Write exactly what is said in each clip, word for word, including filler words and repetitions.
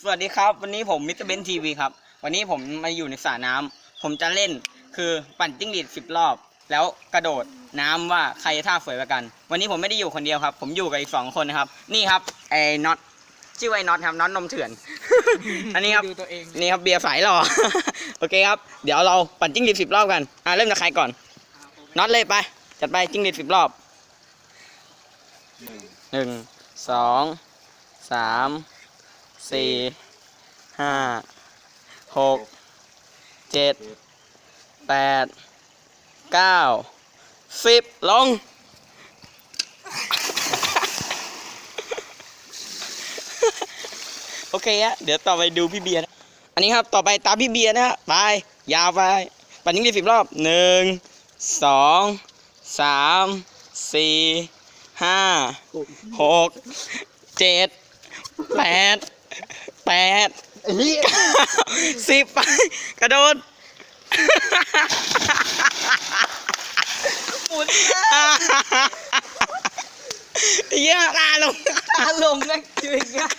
วัสดีครับวันนี้ผมมิสเตอร์เบนทีวีครับวันนี้ผมมาอยู่ในสระน้ำผมจะเล่นคือปั่นจิ้งหรีดสิบรอบแล้วกระโดดน้ำว่าใครท่าสวยกว่ากันวันนี้ผมไม่ได้อยู่คนเดียวครับผมอยู่กับอีกสองคนนะครับนี่ครับไอ้น็อตชื่อไอ้น็อตครับน็อตนมเถื่อน อันนี้ครับนี่ครับเบียร์สายหล่อ โอเคครับเดี๋ยวเราปั่นจิ้งหรีดสิบรอบกันอ่ะเริ่มจากใครก่อนน็อตเลยไปจัดไปจิ้งหรีดสิบรอบหนึ่งสองสามสี่ห้าหกเจ็ดแปดเก้าสิบลง โอเคฮะเดี๋ยวต่อไปดูพี่เบียร์นะอันนี้ครับต่อไปตามพี่เบียร์นะฮะไปยาวไปปั่นยิงดีสิบรอบหนึ่งสองสามสี่ห้าหกเจ็ดแปดแปดสิบไปกระโดดหมุนเยอะตาลงตาลงนะจริงอะ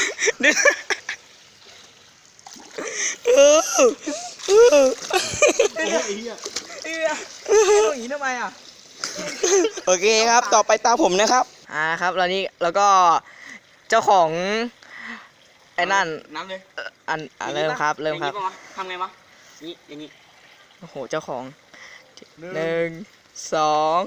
เออเออไอ้เหี้ยไอ้เหี้ยอย่างนี้ทำไมอ่ะโอเคครับต่อไปตาผมนะครับอ่าครับแล้วนี่แล้วก็เจ้าของไอ้นั่นน้ำเลยอันอันเริ่มครับเริ่มครับทำไงวะนี่อย่างนี้โอ้โหเจ้าของหนึ่งสอง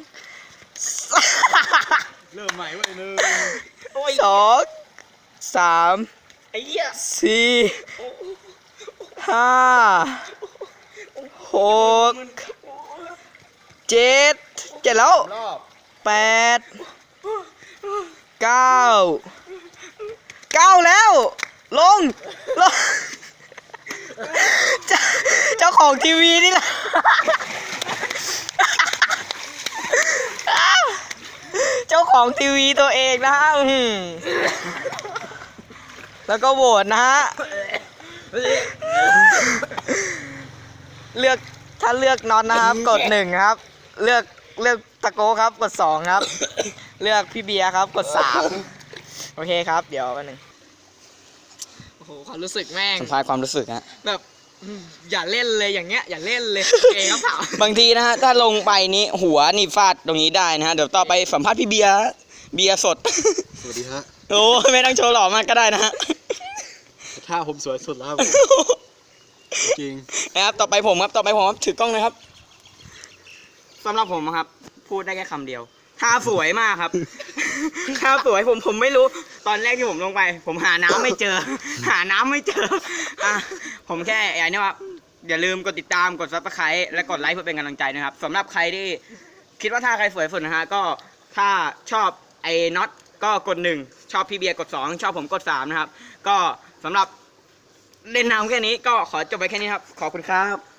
เริ่มใหม่เว้ยหนึ่งสองสามสี่ห้าหกเจ็ดเจ็ดแล้วแปดเก้าเก้าแล้วลงลงเจ้าของทีวีนี่แหละเจ้าของทีวีตัวเองนะฮะแล้วก็โหวตนะฮะเลือกถ้าเลือกน็อตนะครับกดหนึ่งครับเลือกเลือกตะโก้ครับกดสองครับเลือกพี่เบียร์ครับกดสามโอเคครับเดี๋ยวกันหนึ่งโอ้โหความรู้สึกแม่งสัมภาษณ์ความรู้สึกฮะแบบอย่าเล่นเลยอย่างเงี้ยอย่าเล่นเลยเองครับบางทีนะฮะถ้าลงไปนี้หัวนี่ฟาดตรงนี้ได้นะฮะเดี๋ยวต่อไปสัมภาษณ์พี่เบียร์เบียร์สดสวัสดีฮะโอ้ไม่ต้องโชว์หล่อมากก็ได้นะฮะถ้าผมสวยสุดแล้วจริงนะครับต่อไปผมครับต่อไปผมครับถือกล้องนะครับสำหรับผมครับพูดได้แค่คำเดียวท่าสวยมากครับท่าสวยผมผมไม่รู้ตอนแรกที่ผมลงไปผมหาน้ำไม่เจอหาน้ำไม่เจออ่ะผมแค่อย่างนี้ว่าอย่าลืมกดติดตามกดซับสไครต์และกดไลค์เพื่อเป็นกำลังใจนะครับสำหรับใครที่คิดว่าท่าใครสวยสุดนะฮะก็ถ้าชอบไอ้น็อตก็กดหนึ่งชอบพี่เบียร์กดสองชอบผมกดสามนะครับก็สำหรับเล่นน้ำแค่นี้ก็ขอจบไปแค่นี้ครับขอบคุณครับ